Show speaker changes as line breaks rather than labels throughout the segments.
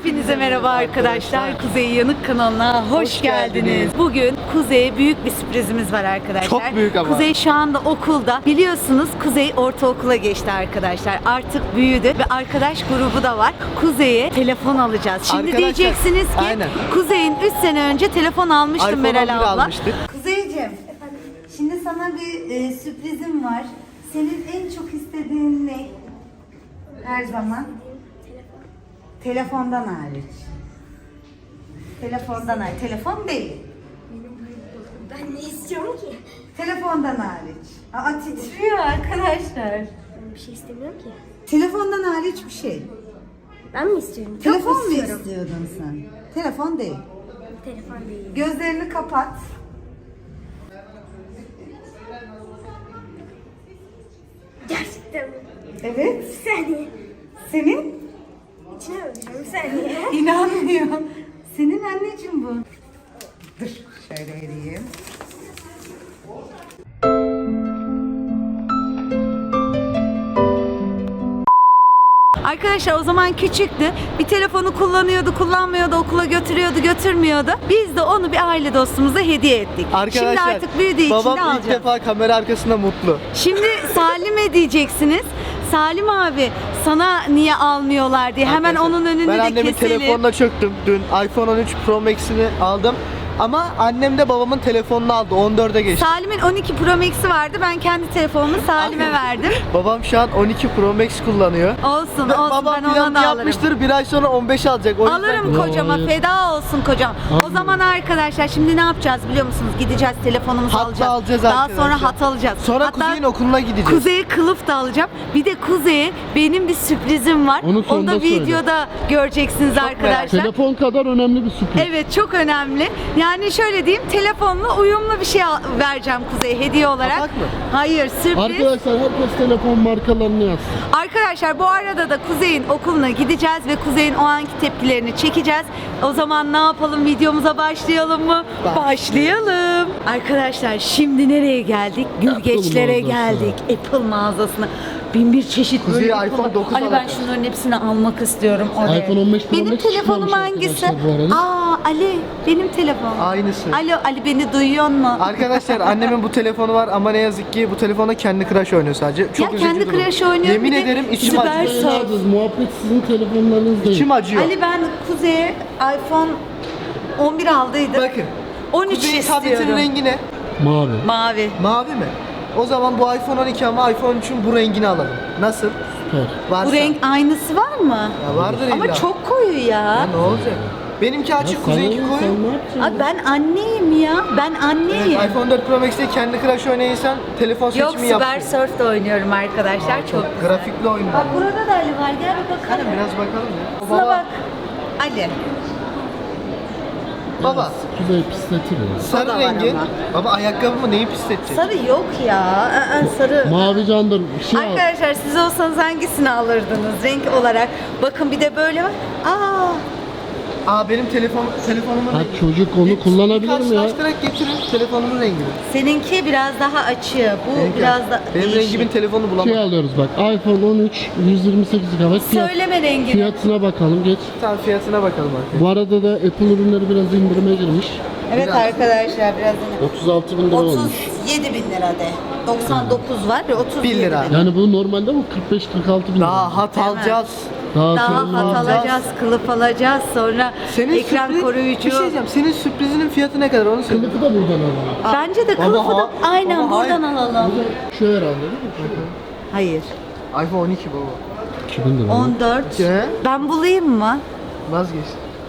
Hepinize merhaba arkadaşlar. Kuzey Yanık kanalına hoş geldiniz. Bugün Kuzey'e büyük bir sürprizimiz var arkadaşlar.
Çok büyük ama.
Kuzey şu anda okulda. Biliyorsunuz Kuzey ortaokula geçti arkadaşlar. Artık büyüdü ve arkadaş grubu da var. Kuzey'e telefon alacağız. Şimdi
Arkadaşlar,
diyeceksiniz ki
aynen.
Kuzey'in 3 sene önce telefon almıştım
iPhone
Meral
11
abla.
almıştık.
Kuzeyciğim, şimdi sana bir sürprizim var. Senin en çok istediğin ne? Her zaman. Telefondan hariç. Telefondan hariç. Telefon değil.
Ben ne istiyorum ki?
Telefondan hariç. Aa, titriyor arkadaşlar.
Ben bir şey istemiyorum ki.
Telefondan hariç bir şey.
Ben mi istiyorum?
Telefon
Çok
mu
istiyorum.
istiyordun sen? Telefon değil.
Telefon değil.
Gözlerini kapat.
Gerçekten mi?
Evet.
Bir saniye.
Senin?
İçine bakacağım bir saniye.
İnanmıyorum. Senin anneciğim bu. Dur şöyle vereyim. Arkadaşlar o zaman küçüktü. Bir telefonu kullanmıyordu, okula götürmüyordu. Biz de onu bir aile dostumuza hediye ettik.
Arkadaşlar,
Şimdi artık büyüdüğü için de
babam ilk
alacağız.
defa kamera arkasında mutlu.
Şimdi Salim'e diyeceksiniz. Salim abi sana niye almıyorlar diye hemen
Arkadaşlar,
onun önünü
ben
de
annemin
keselim.
telefonuna çöktüm. Dün iPhone 13 Pro Max'ini aldım. Ama annem de babamın telefonunu aldı. 14'e geçti.
Salim'in 12 Pro Max'i vardı. Ben kendi telefonumu Salim'e verdim.
Babam şu an 12 Pro Max kullanıyor.
Olsun
Ve
olsun,
babam
ben ona
planını
da alırım.
yapmıştır. Bir ay sonra 15 alacak. O yüzden
Alırım kocama,
Hayır.
feda olsun kocam. O zaman arkadaşlar şimdi ne yapacağız biliyor musunuz? Gideceğiz, telefonumuzu
Hat
alacağız.
alacağız
Daha
arkadaşlar.
sonra hat alacağız.
Sonra
Hatta
Kuzey'in okuluna gideceğiz.
Kuzey'e kılıf da alacağım. Bir de Kuzey'e benim bir sürprizim var.
Onu
Onu
sonunda
da
söyle.
videoda göreceksiniz
merak
arkadaşlar.
Telefon kadar önemli bir sürpriz.
Evet, çok önemli. Yani şöyle diyeyim, telefonla uyumlu bir şey vereceğim Kuzey'e hediye olarak.
Kapak mı?
Hayır, sürpriz.
Arkadaşlar herkes telefon markalarını yazsın.
Arkadaşlar bu arada da Kuzey'in okuluna gideceğiz ve Kuzey'in o anki tepkilerini çekeceğiz. O zaman ne yapalım, videomuza başlayalım mı? Başlayalım. Arkadaşlar şimdi nereye geldik? Gülgeçlere
mağazası.
geldik. Apple mağazasına. Bin bir çeşit
Kuzey'e
böyle
iPhone 9
Ali ben
alacağım.
şunların hepsini almak istiyorum oraya.
iPhone 15 Pro
Benim
Max
telefonum
çıkmamış
hangisi?
arkadaşlar bu arada.
Aa Ali, benim telefonum.
Aynısı.
Alo Ali, beni duyuyor mu?
Arkadaşlar annemin bu telefonu var ama ne yazık ki bu telefonda kendi Crush oynuyor sadece. Çok
Ya
üzücü
kendi
durum.
Crush oynuyor,
Yemin
bir de
ederim içim
Süper
acıyor.
Surf.
Evladınız, muhabbet sizin telefonlarınız değil.
İçim acıyor.
Ali ben Kuzey'e iPhone 11 aldıydım.
Bakın.
13
Kuzey'in
istiyorum.
tabletinin rengi ne?
Mavi.
Mavi.
Mavi mi? O zaman bu iPhone 12 ama iPhone 3'ün bu rengini alalım. Nasıl?
Süper.
Varsa.
Bu renk aynısı var mı?
Ya vardır
Ama
illa.
çok koyu
Ya
ya.
ne olacak? Benimki
Ya
açık,
sana
Kuzey'inki
ne,
koyu.
sen ne yapacaksın?
Abi ben anneyim ya. Ben anneyim.
Evet, iPhone 4 Pro Max'te kendi Crush oynayırsan telefon
Yok,
seçimi yap.
Super Surf'da oynuyorum arkadaşlar. Çok.
Grafikli oyun.
Bak burada da Ali var. Gel bir bakalım.
Hadi biraz bakalım ya.
Şuna bak. Ali.
Baba.
Kuzey pisletir ya.
O da
Sarı
var
rengi.
ama.
Baba ayakkabı mı neyi pisletecek?
Sarı yok ya. Sarı.
Mavi candır. Bir şey al.
Arkadaşlar siz olsanız hangisini alırdınız renk olarak? Bakın bir de böyle var.
Benim telefonumun
Ha,
rengi.
çocuk onu kullanabilir mi ya?
Karşılaştırarak getirin telefonumun rengini.
Seninki biraz daha açığı. Bu
Benimki-
biraz da
Benim
değişik.
rengimin telefonu
Şey
bulamam.
alıyoruz bak. iPhone 13 128 GB.
Söyleme rengini.
Fiyatına bakalım geç.
Tamam fiyatına bakalım arkadaşlar.
Bu arada da Apple ürünleri biraz indirime girmiş.
Evet
Biraz.
arkadaşlar biraz
36 bin lira olmuş.
37 bin lira de. 99 var ve 37
1 lira.
bin.
Yani bu normalde bu 45-46 bin lira.
Daha hat
Değil mi?
alacağız.
Daha
Daha
sonra
hat
alacağız.
alacağız, kılıf alacağız, sonra ekran
sürpriz-
koruyucu.
Bir şey diyeceğim. Senin sürprizinin fiyatı ne kadar onu söyle.
Kılıfı da buradan alalım.
Bence de
Baba,
kılıfı da
ha-
aynen
baba,
buradan alalım.
Şu herhalde değil mi?
Hayır.
iPhone 12 baba.
2000 lira.
14.
He?
Ben bulayım mı?
Vazgeç.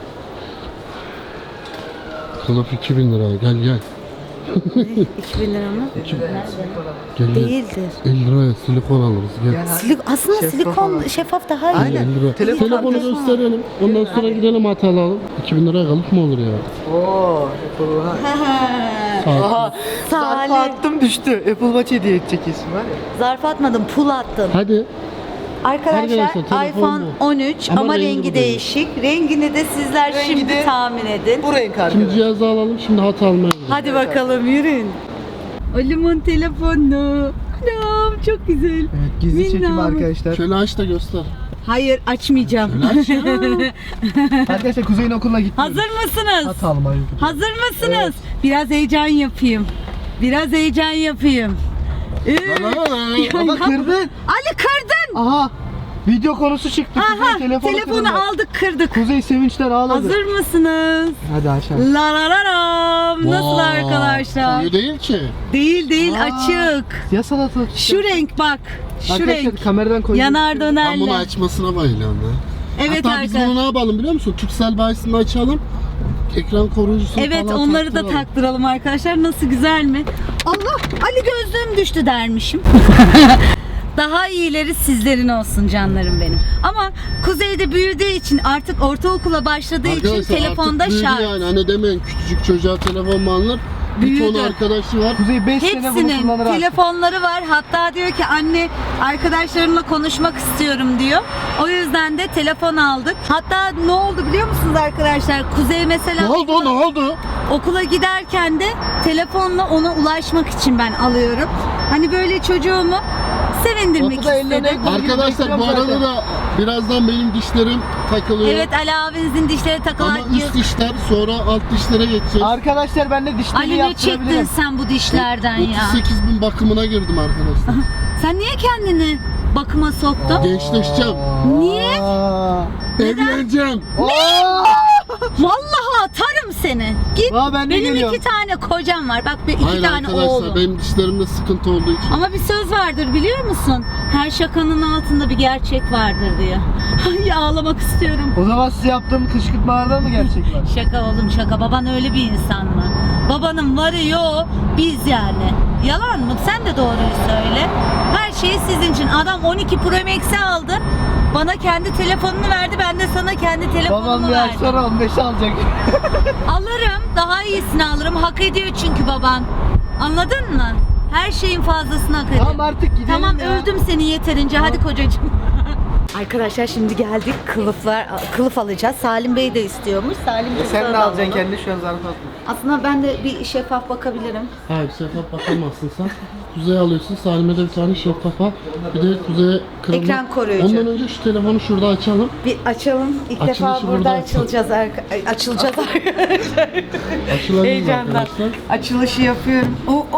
Kılıf 2000 lira. Gel gel.
2000 lira mı?
Gel gel.
Değildir.
50 liraya silikon alırız. Gel.
Aslında
Şeffaf
silikon
olan.
şeffaf daha iyi.
Aynen.
50 lira.
Telefon
Telefonu
telefon.
gösterelim. Ondan sonra gidelim hat alalım. 2000 liraya kalıp mı olur ya?
Oo, Apple Watch.
Saat.
Aha,
Salih.
zarfı attım düştü. Apple Watch hediye edecek isim var ya.
Zarf atmadım, pul attım.
Hadi.
Arkadaşlar
Arkadaşlar, telefon
iPhone
bu.
13
Ama
ama
rengi
rengi
bu değil.
değişik. Rengini de sizler
Rengi
şimdi
de-
tahmin edin.
Bu renk
Şimdi
arkadaşlar.
cihazı alalım. Şimdi hat almaya gidelim.
Hadi bakalım yürüyün. Olimon telefonu. Anam çok güzel.
Evet, gizli çekim
Minnacık.
arkadaşlar.
Şöyle aç da göster.
Hayır açmayacağım.
Arkadaşlar Kuzey'in okuluna gittim.
Hazır mısınız?
Atalım hayır.
Hazır mısınız? Biraz heyecan yapayım. Biraz heyecan yapayım.
Ama kırdın.
Ali kırdın.
Aha. Video konusu çıktı.
Aha,
Kuzey telefonu kırdı.
aldık kırdık.
Kuzey sevinçten ağladı.
Hazır mısınız?
Hadi aşağı.
La la la lam. Nasıl arkadaşlar?
Koyu değil ki.
Değil
Aa.
açık.
Ya salatalık.
Şu renk bak. Şu
Arkadaşlar
renk.
kameradan koyuyorum.
Yanar
Ben bunu
dönerle.
açmasına bayılıyorum ya.
Evet
Hatta biz
arkadaşlar.
bunu ne yapalım biliyor musun? Turkcell bayisini açalım. Ekran koruyucusunu
Evet
falan
onları da
taktıralım.
taktıralım arkadaşlar. Nasıl güzel mi? Allah Ali gözlüğüm düştü dermişim. Daha iyileri sizlerin olsun canlarım benim. Ama Kuzey'de büyüdüğü için artık ortaokula başladığı için
Arkadaşlar
telefonda
artık büyüdü
şart.
yani. Hani demeyin küçücük çocuğa telefon mu alınır? Bir
Büyüdü.
ton arkadaşı var.
Kuzey 5 sene bunu
Hepsinin
kullanır artık.
telefonları var. Hatta diyor ki anne arkadaşlarımla konuşmak istiyorum diyor. O yüzden de telefon aldık. Hatta ne oldu biliyor musunuz arkadaşlar? Kuzey mesela
Ne oldu?
okula giderken de telefonla ona ulaşmak için ben alıyorum. Hani böyle çocuğumu sevindirmek
Kapıda ellerine
istedim.
Arkadaşlar bu arada da birazdan benim dişlerim takılıyor.
Evet Ali abinizin dişleri takılan
Ama üst dişler sonra alt dişlere geçeceğiz.
Arkadaşlar ben de dişlerimi
Ali ne çektin
yaptırabilirim.
sen bu dişlerden ya?
38.000 bakımına girdim arkadaşlar.
Sen niye kendini bakıma soktun?
Gençleşeceğim.
Niye?
Aa.
Evleneceğim.
Aa.
Vallahi atarım seni. Git.
Aa, ben de
Benim
geliyorum.
2 tane kocam var. Bak iki
Hayır
tane
arkadaşlar
oğlum.
benim dişlerimde sıkıntı olduğu için.
Ama bir söz vardır biliyor musun? Her şakanın altında bir gerçek vardır diye. Ay ağlamak istiyorum.
O zaman size yaptığım kışkırtmalardan mı gerçek var?
Şaka oğlum şaka. Baban öyle bir insan mı? Babanın varı yok. Biz yani. Yalan mı? Sen de doğruyu söyle. Her şeyi sizin için. Adam 12 Pro Max'i aldı. Bana kendi telefonunu verdi. Ben de sana kendi telefonumu
Babam bir ay
verdim.
sonra 15 alacak.
Alırım. Daha iyisini alırım. Hak ediyor çünkü baban. Anladın mı? Her şeyin fazlasını hak ediyor.
Tamam artık gidelim
Tamam
ya.
övdüm seni yeterince. Hadi kocacığım. Arkadaşlar şimdi geldik. Kılıf alacağız. Salim Bey de istiyormuş. Salim Bey
Sen
sana
ne
da
alacaksın
alalım.
kendi şu an zarf atma.
Aslında ben de bir şeffaf bakabilirim.
Hayır şeffaf bakamazsın sen. Kuzey alıyorsun. Salim'e de bir tane şeffaf al. Bir de Kuzey'e kırılma.
Ekran koruyucu.
Ondan önce şu telefonu şurada açalım.
Bir açalım. İlk
Açılışı
defa burada
burada
açılacağız açılacağız arkadaşlar.
Açılalım
Heyecandan.
arkadaşlar.
Açılışı yapıyorum.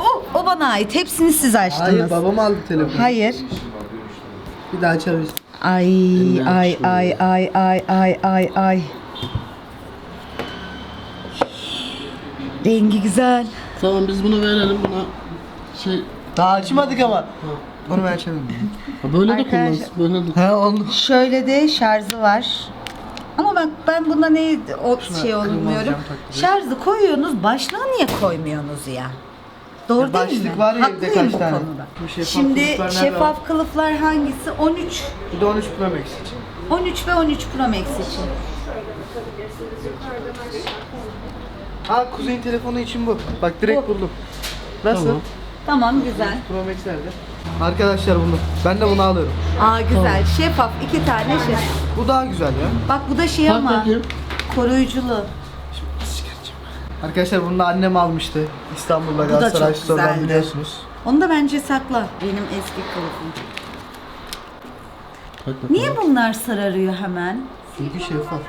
O bana ait. Hepsini siz açtınız.
Hayır babam aldı telefonu.
Hayır.
Bir daha açarız.
Ay. Rengi güzel.
Tamam biz bunu verelim buna şey
Daha açmadık ama. Onu ben açarım.
ha, böyle de
Arkadaşlar-
kullansın böyle de.
He oldu.
Şöyle de şarjı var. Ama bak ben bunda ne şey
kırmızı
olmuyorum.
cam taktırıyoruz.
Şarjı koyuyorsunuz, başlığı niye koymuyorsunuz ya? Doğru
Ya
değil mi?
başlık var ya evde
Haklıyım
kaç
bu
tane?
konuda.
Bu şeffaf
Şimdi
kılıflar nerede
şeffaf kılıflar hangisi? 13,
Bir de 13 Pro Max için.
13 ve 13 Pro Max için.
Kuzey'in telefonu için bu. Bak direkt
Bu.
buldum. Nasıl?
Tamam.
Tamam güzel.
Pro Max nerede? Arkadaşlar bunu. Ben de bunu alıyorum.
Güzel. Şeffaf 2 tane şey.
Bu daha güzel ya.
Bak bu da şey
Tak
ama
bakayım.
koruyuculu.
Arkadaşlar bunu da annem almıştı. İstanbul'da
da
Galatasaray
çok
Store'dan
güzeldi.
biliyorsunuz.
Onu da bence sakla. Benim eski kılıfım.
Tak bakalım.
Niye bunlar sararıyor hemen?
Çünkü şeffaf.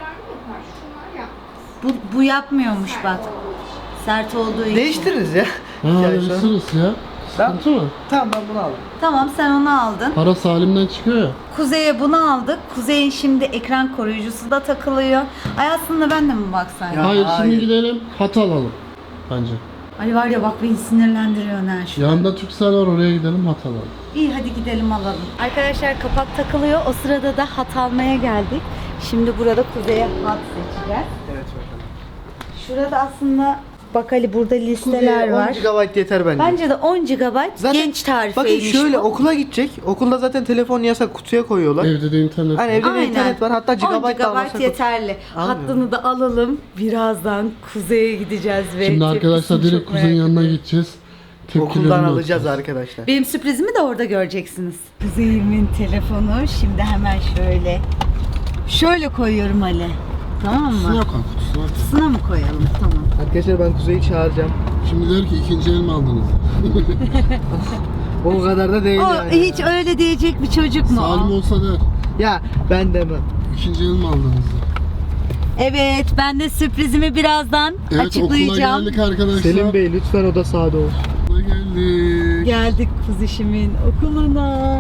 Bu yapmıyormuş bak. Sert olduğu için.
Değiştiririz ya.
Ha
Yani
öyle
şu an-
sırası ya. Sıkıntı mı?
Tamam ben bunu aldım.
Tamam sen onu aldın.
Para Salim'den çıkıyor ya.
Kuzey'e bunu aldık. Kuzey'in şimdi ekran koruyucusu da takılıyor. Ay aslında ben de mi baksaydım?
Ya.
Hayır
hayır.
şimdi gidelim hat alalım. Bence.
Ali var ya bak beni sinirlendiriyor her şey.
Yanında Turkcell var oraya gidelim hat alalım.
İyi hadi gidelim alalım. Arkadaşlar kapak takılıyor. O sırada da hat almaya geldik. Şimdi burada Kuzey'e hat seçeceğiz.
Evet bakalım.
Şurada aslında bak Ali burada listeler
Kuzey'e 10
var.
GB yeter bence.
Bence de 10 GB genç tarifeymiş
Bakın şöyle
bu.
okula gidecek. Okulda zaten telefon yasak kutuya koyuyorlar.
Evde de internet.
Hani
var.
evde de internet var. Hatta
10
GB da almasak
GB yeterli.
Almıyorum.
Hattını da alalım. Birazdan Kuzey'e gideceğiz ve
Şimdi arkadaşlar
tepkisini
direkt
çok
Kuzey'in
merak
yanına
ediyorum.
gideceğiz. Tepkilerini
Okuldan
alacağız.
alacağız arkadaşlar.
Benim sürprizimi de orada göreceksiniz. Kuzey'imin telefonu şimdi hemen şöyle koyuyorum Ali. Tamam mı?
Sınav kutusuna.
Kutusuna mı koyalım? Tamam.
Arkadaşlar ben Kuzey'i çağıracağım.
Şimdi der ki ikinci el mi aldınız?
O kadar da değil
O
yani.
hiç öyle diyecek bir çocuk mu?
Salim olsa der.
Ya ben demem.
İkinci yıl mı aldınız?
Evet, ben de sürprizimi birazdan
Evet,
açıklayacağım.
okula geldik arkadaşlar.
Selim Bey lütfen oda sağda olsun.
Okula geldik.
Geldik kuzişimin okuluna.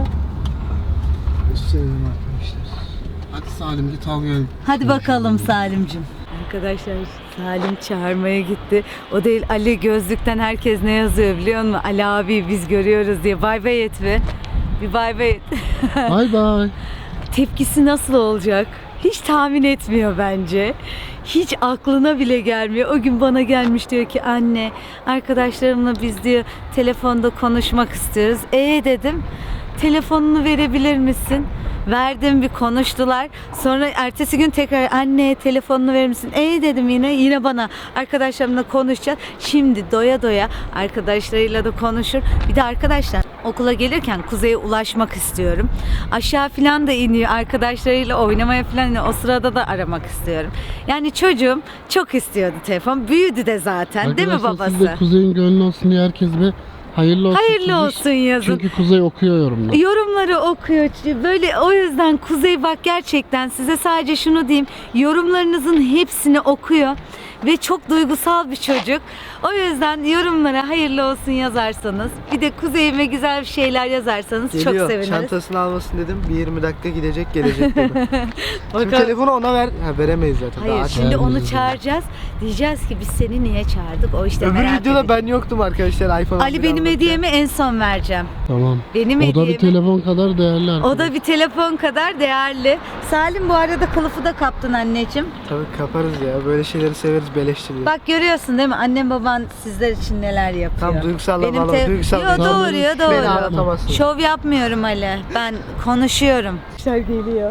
Selim arkadaşlar.
Hadi Salim git al gel.
Hadi bakalım Salim'cim. Arkadaşlar Salim çağırmaya gitti. O değil, Ali gözlükten herkes ne yazıyor biliyor musun? Ali abi biz görüyoruz diye. Bay bay et be. Bir bay bay et.
Bay bay.
Tepkisi nasıl olacak? Hiç tahmin etmiyor bence. Hiç aklına bile gelmiyor. O gün bana gelmiş diyor ki anne arkadaşlarımla biz diyor telefonda konuşmak istiyoruz. Dedim telefonunu verebilir misin? Verdim, bir konuştular. Sonra ertesi gün tekrar anne telefonunu verir misin? Dedim yine bana arkadaşlarımla konuşacağız. Şimdi doya doya arkadaşlarıyla da konuşur. Bir de arkadaşlar okula gelirken Kuzey'e ulaşmak istiyorum. Aşağı falan da iniyor arkadaşlarıyla oynamaya falan iniyor. O sırada da aramak istiyorum. Yani çocuğum çok istiyordu telefon. Büyüdü de zaten değil mi
Arkadaşlar, siz
babası?
de Kuzey'in gönlü olsun diye herkes bir hayırlı olsun.
Hayırlı
çizmiş.
olsun yazın.
Çünkü Kuzey okuyor yorumları.
Yorumları okuyor. Böyle o yüzden Kuzey bak gerçekten size sadece şunu diyeyim. Yorumlarınızın hepsini okuyor ve çok duygusal bir çocuk. O yüzden yorumlara hayırlı olsun yazarsanız, bir de Kuzey'ime güzel bir şeyler yazarsanız
Geliyor.
çok seviniriz.
Çantasını almasın dedim. Bir 20 dakika gidecek gelecek dedi. Şimdi
Bakalım.
telefonu ona ver. Ha, veremeyiz zaten.
Hayır,
Daha
şimdi onu
Vermeyeceğiz.
çağıracağız. Diyeceğiz ki biz seni niye çağırdık? O işte
Öbür
merak
videoda
ediyor.
ben yoktum arkadaşlar. iPhone
Ali
11
benim
almak
hediyemi en son vereceğim.
Tamam.
Benim
O da
hediyemi.
bir telefon kadar değerli arkadaşlar.
O da bir telefon kadar değerli. Salim bu arada kılıfı da kaptın anneciğim.
Tabii kaparız ya. Böyle şeyleri severiz, beleştiriyor.
Bak görüyorsun değil mi? Annem baban sizler için neler yapıyor.
Tam duygusallama, duygusal.
Yo, doğru ya
Beni
doğru.
anlatamazsın.
Şov yapmıyorum Ali. Ben konuşuyorum. İşler geliyor.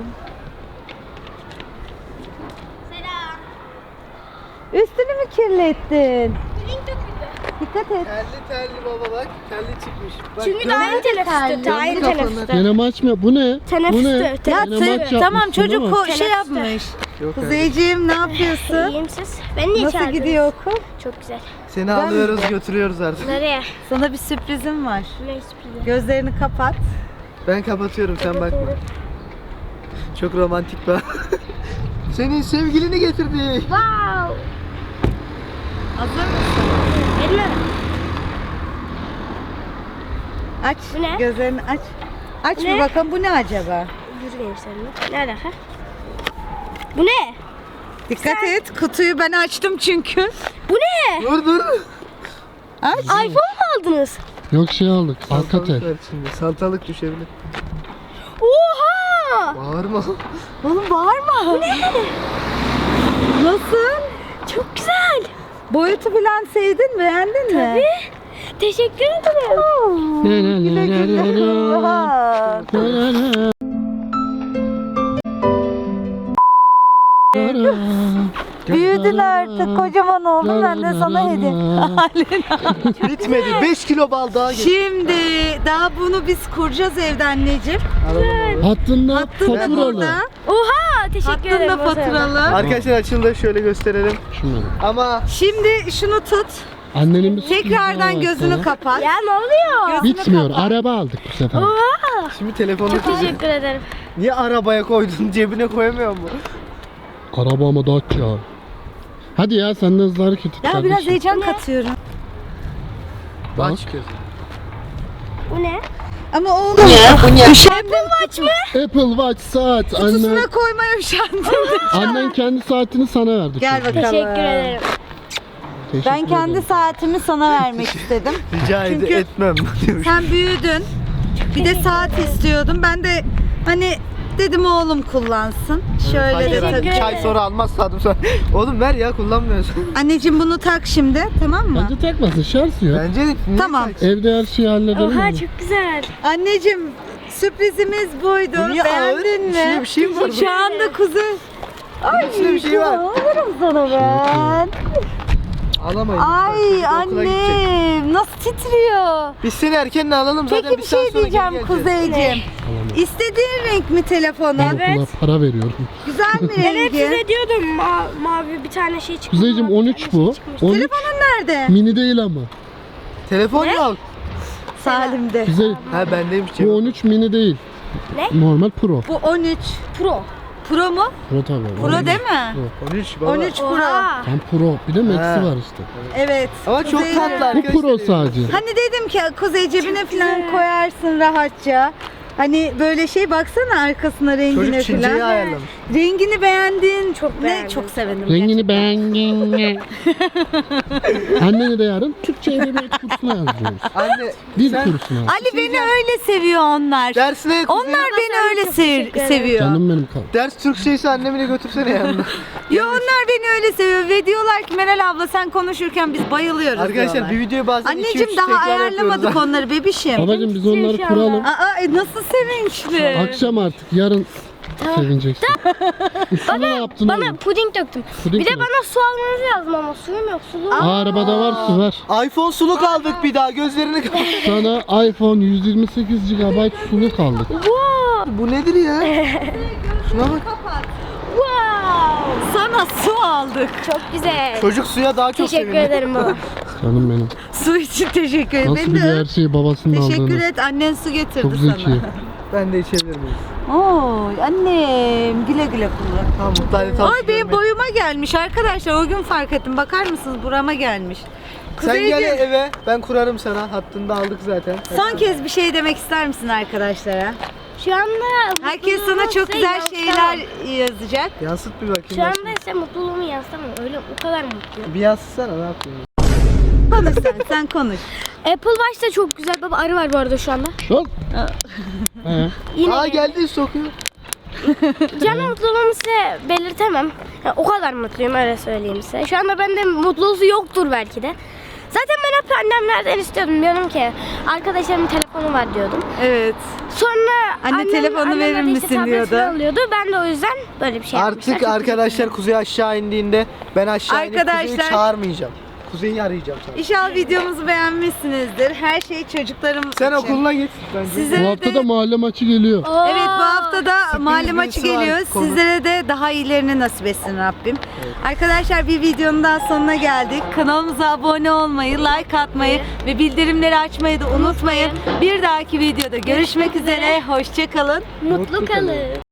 Selam.
Üstünü mü kirlettin? Dikkat et.
Terli baba bak. Terli çıkmış. Bak,
Çünkü daha yeni teneffüste. Daha yeni
kafanı.
teneffüste.
Deneme açmıyor. Bu ne?
Teneffüste,
Bu ne?
teneffüste.
Ya
Deneme aç
tamam
yapmışsın,
çocuk
değil mi?
şey
Teneffüste.
yapmış.
Yok öyle.
Kuzeyciğim ne yapıyorsun?
İyiyim siz. Ben niye
Nasıl
çağırdınız?
gidiyor okul?
Çok güzel.
Seni alıyoruz, götürüyoruz artık.
Nereye?
Sana bir sürprizim var.
Ne sürprizi?
Gözlerini kapat.
Ben kapatıyorum, sen bakma. Çok romantik be. Senin sevgilini getirdi.
Wow.
Hazır mısın?
Elma.
Aç.
Bu ne?
Gözlerini aç. Aç
Ne?
bir bakalım bu ne acaba?
Yürüyeyim seninle. Ne alaka? Bu ne?
Dikkat et. Kutuyu ben açtım çünkü.
Bu ne?
Dur.
Aç.
iPhone mu aldınız?
Yok şey aldık. Alcatel.
Salatalık var içinde. Salatalık düşebilir.
Oha!
Bağırma.
Oğlum bağırma. Bu ne? Nasıl?
Çok güzel.
Boyutu falan sevdin, beğendin mi?
Tabii. Teşekkür ederim.
Güle güle kullan. Büyüdün artık, kocaman oldun, ben de sana hediye.
Bitmedi. 5 kilo bal daha getir.
Şimdi daha bunu biz kuracağız evde anneciğim.
Hattında
Hattın da
faturalı.
burada.
Oha! Teşekkür
Hattın
ederim.
da faturalı.
Arkadaşlar açıldı, şöyle gösterelim.
Şunları.
Ama
Şimdi şunu tut.
Annenin bir sürprizi daha
Tekrardan
var
gözünü
sana.
kapat.
Ya ne oluyor?
Gözünü
Bitmiyor.
kapat.
Araba aldık bu sefer.
Oha!
şimdi telefonu
Teşekkür ederim.
niye arabaya koydun? Cebine koyamıyor mu?
Araba ama Dacia. Hadi ya sen de hızlı hareket et
Ya
kardeşim.
biraz heyecan katıyorum.
Bak.
Aç gözünü.
Bu ne?
Ama oğlum. Üşendim.
Apple Watch saat. Annen,
Kutusuna koymaya üşendim.
annen kendi saatini sana verdi.
Gel
çünkü.
bakalım.
Teşekkür ederim.
Teşekkür
Ben kendi
ederim.
saatimi sana vermek istedim.
Rica
Çünkü-
etmem diyormuş.
Sen büyüdün. Bir de saat istiyordum. Ben de hani dedim oğlum kullansın. Şöyle de
Hayır,
Teşekkür
tak.
ederim.
çay almazsadım sonra. Oğlum ver ya, kullanmıyorsun.
Anneciğim bunu tak şimdi, tamam mı?
Bence takmasın şarj yok.
Bence de. niye
Tamam.
taksın?
Evde her şeyi halledelim
Oha
mi?
çok güzel.
Anneciğim sürprizimiz buydu.
Bu niye ağır?
Beğendin
İçinde
mi?
bir şey mi var?
Şu anda kuzey. Ay
İçinde bir şey var.
alırım sana ben.
Alamayız.
Ay
Şimdi okula gidecek.
annem nasıl titriyor.
Biz seni erkenden alalım zaten.
Peki bir
saat
şey
sonra geri
diyeceğim
geleceğiz.
Kuzeyciğim. İstediğin renk mi telefonu?
Ben okula para veriyorum.
Güzel mi
Ben hep
rengi?
size diyordum mavi bir tane şey çıktı.
Kuzeyciğim
mavi bir
13
tane
bu.
şey çıkmıştı.
13
Telefonun nerede?
mini değil ama.
Telefon yok.
Salim'de.
Kuzey
Ha bendeymiş
bu
cebim.
13 mini değil.
Ne?
Normal Pro.
Bu 13.
Pro.
Pro mu?
Pro tabii.
Pro değil mi?
Pro.
13 baba.
13 Pro.
Oha.
Tam Pro. Bir de Max'i
Ha.
var işte.
Evet.
Ama çok
Kuzey-
tatlı
Bu
arkadaşlar.
Pro sadece.
Hani dedim ki Kuzey cebine falan koyarsın rahatça. Hani böyle şey baksana arkasına rengine
Çocuk Çince'yi
falan.
ayarlamış.
Rengini beğendin. Çok
beğendim.
Çok sevindim.
Rengini beğendin. Anneni de yarın Türkçe edebiyat kursuna yazdırıyoruz.
Anne
Dil
sen
kursuna.
Ali beni öyle seviyor onlar.
dersine
Onlar beni öyle
teşekkür ederim.
seviyor.
Canım benim kal.
ders Türkçeyse annemini götürsene yanına.
Ya onlar beni öyle seviyor ve diyorlar ki Meral abla sen konuşurken biz bayılıyoruz
Arkadaşlar
diyorlar.
bir videoyu bazen
Anneciğim
2-3
daha
tekrar
ayarlamadık
yapıyoruz.
onları bebişim.
Babacım biz onları
Şu anda.
kuralım.
Nasıl sevinçli.
Akşam artık yarın sevineceksin. Üstüne ne yaptın
Bana
oğlum?
puding döktüm.
Puding
Bir de
mi?
bana su almanızı lazım ama suyum yok. Sulu.
Arabada var su ver.
iPhone suluk aldık bir daha gözlerini kapat.
Sana iPhone 128 GB suluk aldık.
Wow.
Bu nedir ya? Şuna bak.
Wow.
Sana su aldık.
Çok güzel.
Çocuk suya daha çok
Teşekkür
sevindi.
ederim baba.
Canım benim.
Su için teşekkür ederim.
Nasıl
Benim
biliyor
de
her şeyi babasının
teşekkür
aldığını.
et. Annen su getirdi
Çok
sana.
zeki.
Ben de içebilir miyim?
Oy annem güle güle kullan.
Tamam mutlu hadi
Ay benim boyuma gelmiş arkadaşlar. O gün fark ettim. Bakar mısınız burama gelmiş.
Sen gel
Kuzeyciğim,
eve ben kurarım sana. Hattını da aldık zaten.
son kez bir şey demek ister misin arkadaşlara?
Şu anda
Herkes sana
mutluluğumu
çok
size
güzel
yansıtamam.
şeyler yazacak.
Yansıt bir bakayım.
Şu anda
başına.
ise mutluluğumu yansıtamam. Öyle o kadar mutluyum.
Bir yansıtsana ne yapıyorsun?
Konuş sen konuş.
Apple Watch da çok güzel. Baba arı var bu arada şu anda.
Çok. He.
Yine
Aa geldi sokuyor.
can mutluluğumu size belirtemem. Yani o kadar mutluyum öyle söyleyeyim size. Şu anda bende mutluluğu yoktur belki de. Zaten ben hep annemlerden istiyordum. Diyorum ki arkadaşlarımın telefonu var diyordum.
Evet.
Sonra
Anne, telefonu
annem
verir
de işte
misin
tablet
diyordu.
falan alıyordu. Ben de o yüzden böyle bir şey yapmışlar.
Artık
Çok
arkadaşlar Kuzey aşağı indiğinde ben aşağı inip
Arkadaşlar-
Kuzey'i çağırmayacağım. Kuzey'i arayacağım sana.
İnşallah videomuzu beğenmişsinizdir. Her şey çocuklarım
Sen
için.
okuluna git bence.
Size
Bu hafta
de-
da mahalle maçı geliyor.
Aa,
Evet bu hafta da mahalle maçı
birisi var,
geliyor.
konu.
Sizlere de daha iyilerini nasip etsin Rabbim. Arkadaşlar bir videonun daha sonuna geldik. Kanalımıza abone olmayı, like atmayı ve bildirimleri açmayı da unutmayın. Bir dahaki videoda görüşmek üzere. Hoşça kalın.
mutlu kalın.